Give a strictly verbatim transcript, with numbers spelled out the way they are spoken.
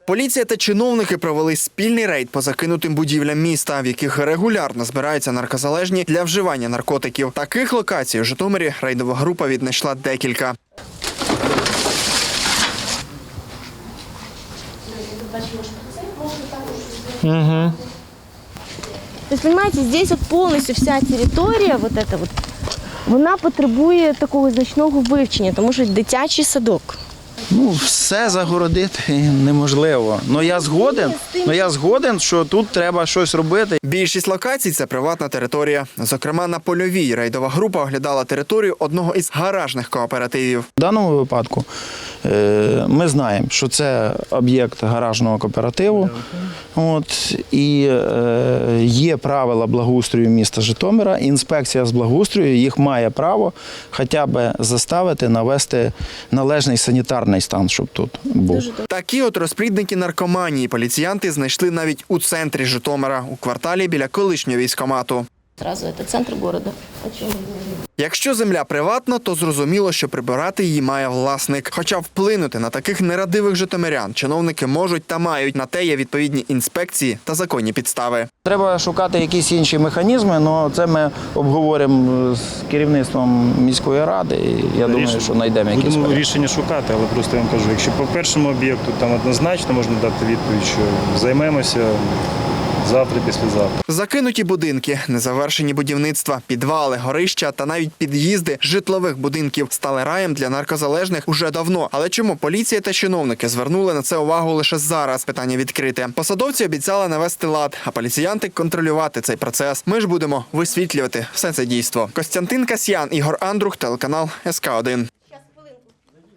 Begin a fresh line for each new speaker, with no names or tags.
Поліція та чиновники провели спільний рейд по закинутим будівлям міста, в яких регулярно збираються наркозалежні для вживання наркотиків. Таких локацій у Житомирі рейдова група віднайшла декілька.
Угу.
То есть, понимаете, здесь вот полностью вся территория, вот эта вот, вона потребує такого значного вивчення, тому що дитячий садок.
Ну, все загородити неможливо. Ну я згоден, ну я згоден, що тут треба щось робити.
Більшість локацій – це приватна територія. Зокрема, на Польовій рейдова група оглядала територію одного із гаражних кооперативів.
В даному випадку е, ми знаємо, що це об'єкт гаражного кооперативу. От, і е, є правила благоустрою міста Житомира. Інспекція з благоустрою їх має право хоча б заставити навести належний санітарний стан, щоб тут був.
Такі от розплідники наркоманії поліціянти знайшли навіть у центрі Житомира, у кварталі біля колишнього військкомату.
Зразу це центр міста.
Якщо земля приватна, то зрозуміло, що прибирати її має власник. Хоча вплинути на таких нерадивих житомирян чиновники можуть та мають. На те є відповідні інспекції та законні підстави.
Треба шукати якісь інші механізми, але це ми обговоримо з керівництвом міської ради. І я думаю, що знайдемо якісь
Будемо
варіанти.
рішення шукати, але просто я вам кажу, якщо по першому об'єкту там однозначно можна дати відповідь, що займемося завтра, післязавтра.
Закинуті будинки, незавершені будівництва, підвали, горища та навіть під'їзди житлових будинків стали раєм для наркозалежних уже давно. Але чому поліція та чиновники звернули на це увагу лише зараз? Питання відкрите. Посадовці обіцяли навести лад, а поліціянти контролювати цей процес. Ми ж будемо висвітлювати все це дійство. Костянтин Касьян, Ігор Андрух, телеканал ес ка один.